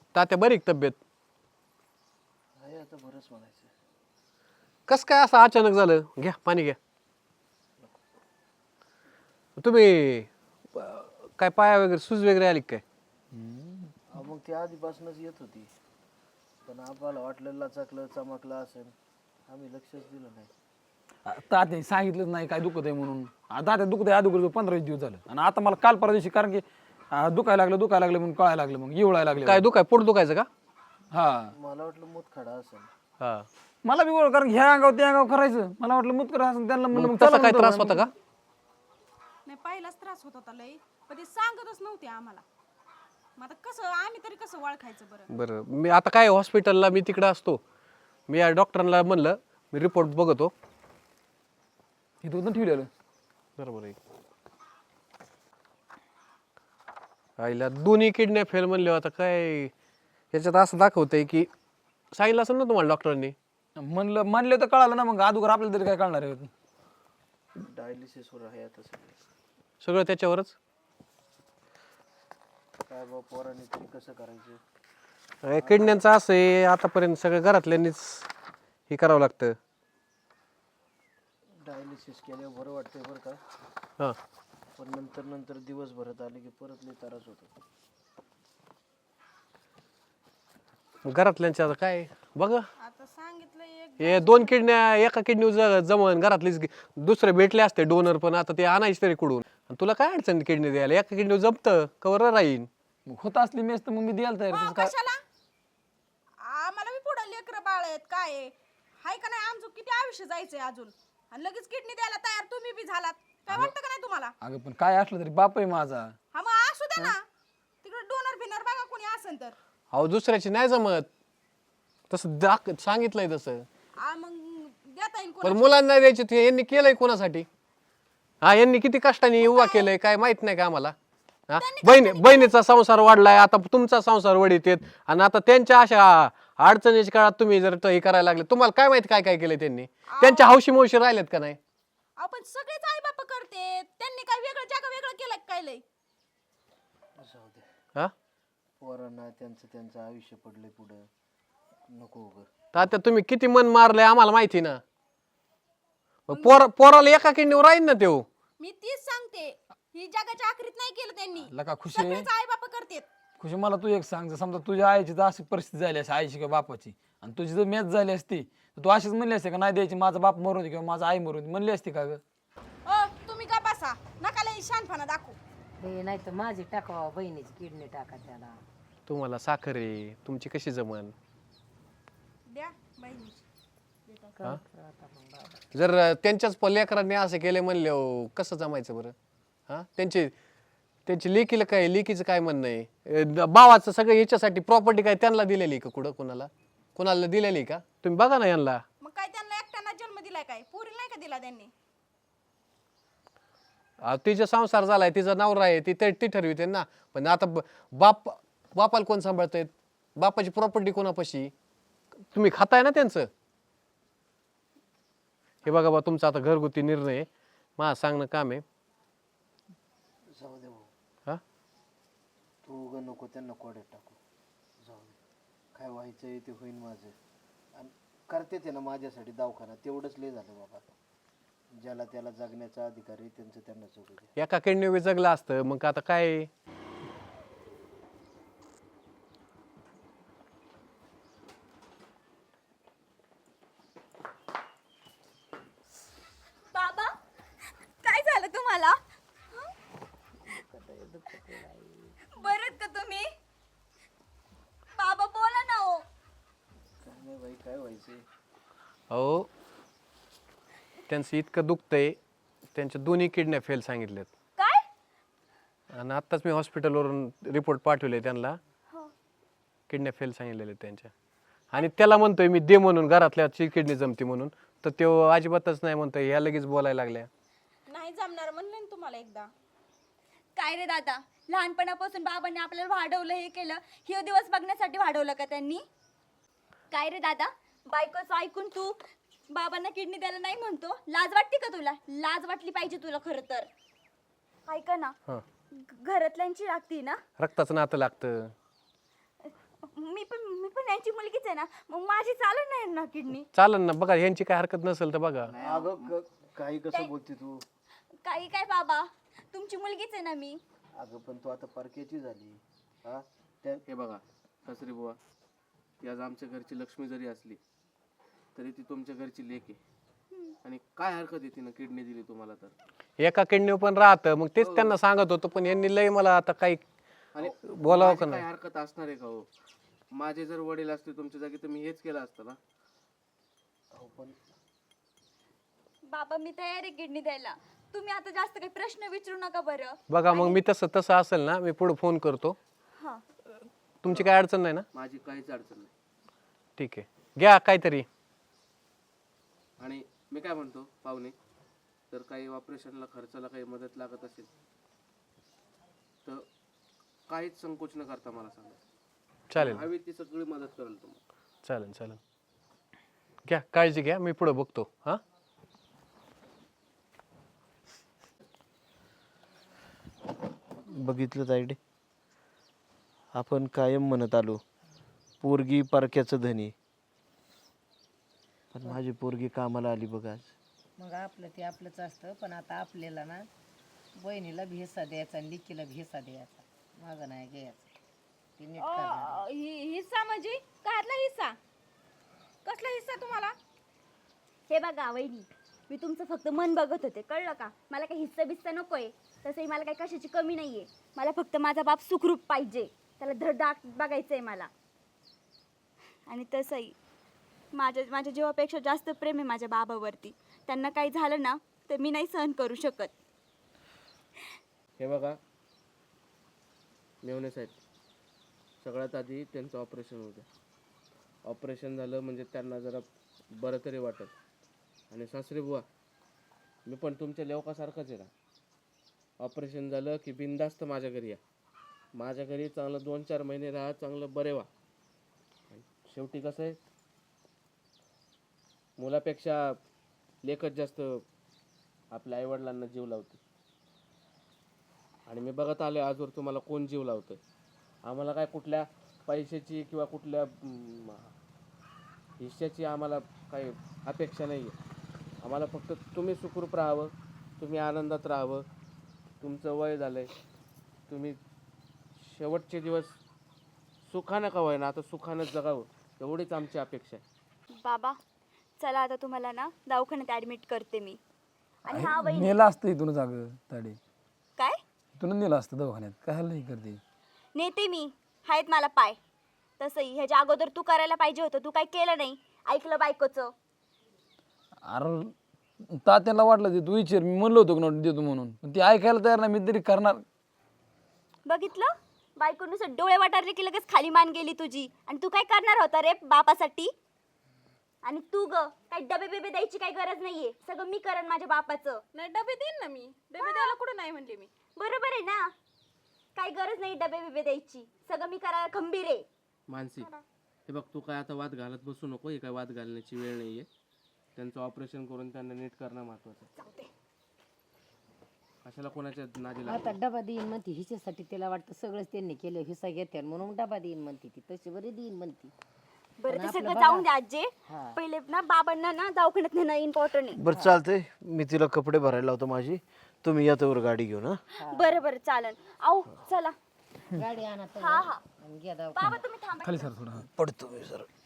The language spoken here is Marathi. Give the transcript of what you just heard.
तात्या बरी का तब्येत? आहे आता बरंच म्हणायचं. कस काय असं अचानक झालं? घ्या पाणी घ्या. तुम्ही काय पाया वगैरे सूज वगैरे आली का काय? मग ती आधीपासूनच येत होती, पण आम्हाला वाटलं लचकलं चमकलं असेल, आम्ही लक्षच दिलं नाही. तात्याने सांगितलंच नाही काय दुखत आहे म्हणून. तात्या दुखत आहे अगोदर 15 दिवस झालं आणि आता मला काल परवा दिवशी कारण की दुखायला लागलं म्हणून कळायला लागलं, मग येवळायला लागले. काय पोट दुखायचं का? हा मला वाटलं मुतखडा असेल. हा. मला बी ओळख, कारण ह्या अंगावर त्या अंगावर करायचं. मला वाटलं मुतकर असं, त्यांना म्हणलं मग मग तसा चला काय म्हणलं. त्रास होता का? नाही पहिलाच त्रास होत होता लई, पण ते सांगतच नव्हते आम्हाला. मग आता कसं आम्ही तरी कसं ओळखायचं बरं? बरं, मी आता काय हॉस्पिटलला मी तिकडे असतो. मी या डॉक्टरांना म्हणलं मी रिपोर्ट बघतो. हे तू ठेवलेलं बरोबर आहे. आईला दोन्ही किडन्या फेल म्हणले. आता काय याच्यात असं दाखवतंय की सांगितलं असेल ना तुम्हाला डॉक्टरांनी? म्हणलं तर कळालं ना, मग अगोदर आपल्याला तरी काय कळणार आहे? डायलिसिसवर आहे आता सगळे. सगळं त्याच्यावरच. काय बा पोरांनी तरी कसं करायचं? किडन्यांचं असं आहे, आतापर्यंत सगळं घरातल्यांनीच हे करावं लागतं. डायलिसिस केल्यावर बरं वाटतंय बरं का, हां. पण नंतर दिवस भरत आले की परत लई त्रास होतो. घरातल्यांचं आता काय बघा, आता सांगितलं एक हे 2 किडन्या एका किडनी जमन घरातलीच दुसरे भेटले असते डोनर, पण आता ते आणायचे तरी कुठून? आणि तुला काय अडचण किडनी द्यायला? एका किडनी जमतं कवर राहीन. मग होत असली मेस तर मग मी द्यायला तयार. तसं काय कशाला आम्हाला बी पुढे लेकर बाळ आहेत काय आहे? हाय का नाही? आमचं किती आयुष्य जायचंय अजून, आणि लगेच किडनी द्यायला तयार तुम्ही बी झालात. काय वाटतं का नाही तुम्हाला? अगं पण काय असलं तरी बाप आहे माझा. हा मग असू दे ना, तिकडे डोनर बिनर बघा कोणी असेल तर. अहो दुसऱ्याची नाही जमत तसं सांगितलंय तसं. मग देता येईल पण कोणाला? मुलांना नाही द्यायचे ते यांनी केलंय कोणासाठी? हा, यांनी किती कष्टाने उभा केलंय काय माहित नाही का आम्हाला? हा, बहिणीचा संसार वाढलाय, आता तुमचा संसार वडीत येत, आणि आता त्यांच्या अशा अडचणीच्या काळात तुम्ही जर हे करायला लागले, तुम्हाला काय माहिती काय काय केलंय त्यांनी? त्यांच्या हौशी मौशी राहिल्यात का नाही? आपण सगळेच आई बाप करते, त्यांनी काय वेगळं जग वेगळं केलं का काय लय? जाऊ दे, हा, पोरांना त्यांचं आयुष्य पडलंय पुढं, नको उगं. तर आता तुम्ही किती मन मारलंय आम्हाला माहिती ना. पोराला एका किडनीवर राहील ना तेव. मी तीच सांगते, ही जगाच्या आखरीत नाही केलं त्यांनी. लका खुशी सगळेच आई बाप करतेत. खुशी मला तू एक सांग, जर समजा तुझ्या आईची जर अशी परिस्थिती झाली असते, आईची किंवा बापाची, आणि तुझी जर मॅच झाली असती तर तू अशीच म्हणली असते का नाही द्यायची, माझा बाप मरून दे किंवा माझा आई मरून दे, म्हणली असती का ग? तुम्ही का बसा, नका लय शानपणा दाखवू. हे नाही तर माझी टाकावा, बहिणीची किडनी टाका त्याला. तुम्हाला साखर आहे, तुमची कशी जमन? द्या बहिणीची. जर त्यांच्याच लेकरांनी असं केले म्हणले कसं जमायचं बरं? हा, त्यांची लेकीला काय, लेकीचं काय म्हणणं आहे? भावाचं सगळं याच्यासाठी प्रॉपर्टी काय त्यांना दिलेली का? कुणाला दिलेली का? तुम्ही बघा ना यांना. मग काय त्यांना एकट्यानं जन्म दिलाय काय? पुरीला नाही का दिला त्यांनी? तिचा संसार झालाय, तिचा नवरा आहे, ती ठरविते ना. पण आता बापाला कोण सांभाळतायत? बापाची प्रॉपर्टी कोणापाशी? तुम्ही खाताय ना त्यांचं. हे बघा बा, तुमचा आता घरगुती निर्णय आहे, मला सांगणं काम आहे. जाऊ दे भाऊ, हा, तू उगं नको त्यांना कोड्यात टाकू. जाऊ दे, काय व्हायचंय ते होईन माझं, आणि करते ते ना माझ्यासाठी दवाखाना, तेवढंच लय झालं बाबा. ज्याला त्याला जगण्याचा अधिकार आहे त्यांचं त्यांना जगू दे. एका किडनी जगलं असतं मग आता काय? बाबा काय झालं तुम्हाला? बरं का तुम्ही? बाबा बोला ना. हो काय नाही बाई, काय व्हायचंय? अहो त्यांचं इतकं दुखतंय, त्यांच्या दोन्ही किडन्या फेल सांगितल्यात. काय? आणि आत्ताच मी हॉस्पिटलवरून रिपोर्ट पाठवले त्यांना, किडन्या फेल सांगितलेल्या त्यांच्या. आणि त्याला म्हणतोय मी दे म्हणून, घरातल्याची किडनी जमती म्हणून, तर तो अजिबातच नाही म्हणतोय. ह्या लगेच बोलायला लागल्या. नाही जमणार म्हणलं ना तुम्हाला एकदा. काय रे दादा, लहानपणापासून बाबांनी आपल्याला वाढवलं, हे केलं, हे दिवस बघण्यासाठी वाढवलं का त्यांनी? काय रे दादा, बायकोचं ऐकून तू बाबांना किडनी द्यायला नाही म्हणतो, लाज वाटते का तुला? लाज वाटली पाहिजे तुला खरं तर. ऐका ना, हा, घरातल्यांची लागती ना, रक्ताचं नातं लागतं. आहे ना, मग माझी चालत नाही ना किडनी. चालन ना, बघा यांची काय हरकत नसेल तर बघा. अगं काही कसं बोलते तू? काही काय बाबा, तुमची मुलगीच आहे ना मी. अगं पण तू आता परक्याची झाली. हा त्या हे बघा सासरी बुवा, ती आज आमच्या घरची लक्ष्मी जरी असली तरी ती तुमच्या घरची लेक आहे. आणि काय हरकत आहे तिनं किडनी दिली तुम्हाला तर? एका किडनी पण राहतं, मग तेच त्यांना सांगत होतो, पण यांनी लय मला आता काही आणि बोलावं का माझी नाही. काय हरकत असणार आहे का हो? माझे जर वडील असते तुमच्या जागी तर मी हेच केलं असतं ना. पण बाबा मी तयार आहे किडनी द्यायला. तुम्ही आता जास्त काही प्रश्न विचारू नका बरं. बघा मग मी तसं तसं असेल ना, मी पुढे फोन करतो. हा तुमची काय अडचण नाही ना? माझी काहीच अडचण नाही. ठीक आहे, घ्या काहीतरी. आणि मी काय म्हणतो पाहुणे, तर काही ऑपरेशनला खर्चाला काही मदत लागत असेल तर काहीच संकोच न करता मला सांगा. चालेल हवी ती सगळी मदत करेल तुम्हाला. चालेल चालेल, घ्या काळजी घ्या, मी पुढे बघतो. हा बघितलं तायडे, आपण कायम म्हणत आलो पोरगी परक्याचं धनी, पण माझी पोरगी कामाला आली बघ आज. मग आपलं ते आपलंच असतं, पण आता आपल्याला ना बहिणीला भेसा द्यायचा आणि लिकीला भेसा द्यायचा, मागं नाही घ्यायचं. ते नीट करणार. हिस्सा म्हणजे काढला हिस्सा? कसला हिस्सा तुम्हाला? हे बघा वहिनी, मी तुमचं फक्त मन बघत होते, कळलं का? मला काही हिस्सा बिस्सा नकोय. तसंही मला काही कशाची कमी नाहीये. मला फक्त माझा बाप सुखरूप पाहिजे, त्याला धडधाक बघायचंय मला. आणि तसंही माझ्या जीवापेक्षा जास्त प्रेम आहे माझ्या बाबावरती. त्यांना काही झालं ना तर मी नाही सहन करू शकत. हे बघा मेवणे साहेब, सगळ्यात आधी त्यांचं ऑपरेशन होऊ द्या. ऑपरेशन झालं म्हणजे त्यांना जरा बरं तरी वाटेल. आणि सासरे बुवा, मी पण तुमच्या लेवकासारखंच आहे ना. ऑपरेशन झालं की बिनधास्त माझ्या घरी या. माझ्या घरी चांगलं 2-4 महिने राहा, चांगलं बरे व्हा. आणि शेवटी कसं आहे, मुलापेक्षा लेकच जास्त आपल्या आईवडिलांना जीव लावते. आणि मी बघत आलो आजवर तुम्हाला कोण जीव लावतंय. आम्हाला काय कुठल्या पैशाची किंवा कुठल्या हिश्श्याची आम्हाला काही अपेक्षा नाही आहे. आम्हाला फक्त तुम्ही सुखरूप राहावं, तुम्ही आनंदात राहावं. तुमचं वय झालं आहे, तुम्ही शेवटचे दिवस सुखानं का होईना आता सुखानं जगावं, एवढीच आमची अपेक्षा आहे. बाबा चला आता तुम्हाला ना दवाखान्यात ॲडमिट करते मी. आणि हा वहिनी नेलं असतं इथूनच अगं ताडे, काय इथूनच नेलं असतं दवाखान्यात. काय नाही करते. नेते मी, आहेत मला पाय. तसंही ह्याच्या अगोदर तू करायला पाहिजे होतं, तू काय केलं नाही, ऐकलं बायकोचं. अरे तात्याला वाटलं ते तू विचार, मी म्हणलो होतो की देतो म्हणून, पण ती ऐकायला तयार नाही. मी तरी करणार. बघितलं, बायकोनुसार डोळे वाटारले की लगेच खाली मान गेली तुझी. आणि तू काय करणार होता रे बापासाठी? आणि तू ग काही डबे बिबे द्यायची काही गरज नाहीये, सगळं मी करेन माझ्या बापाचं. नाही डबे देईन ना मी, डबे द्यायला कुठं नाही म्हणले मी. बरोबर आहे ना, काही गरज नाही डबे बिबे द्यायची, सगळं मी करायला खंबीर आहे. मानसी, हे बघ तू काय आता वाद घालत बसू नको. हे काय वाद घालण्याची वेळ नाही आहे. त्यांचं ऑपरेशन करून त्यांना नीट करणं महत्त्वाचं आहे. कशाला कोणाच्या नादी लागत. आता डबा देईन म्हणते, हिच्यासाठी तिला वाटतं सगळंच त्यांनी केलं, हिस्सा घेते म्हणून डबा देईन म्हणते ती. तशी बरी देईन म्हणते. बरं ते सगळं जाऊन द्या आजे. पहिले ना बाबांना ना दवाखान्यात नेणं इम्पॉर्टंट आहे. बरं चालतंय, मी तिला कपडे भरायला लावतो माझी, तुम्ही या तोवर गाडी घेऊन. हा बरं बरं चालन. आओ चला. गाडी आणा तर हा हा आणि घ्या बाबा तुम्ही थांबा. खाली सर थोडं. पडतो मी सर.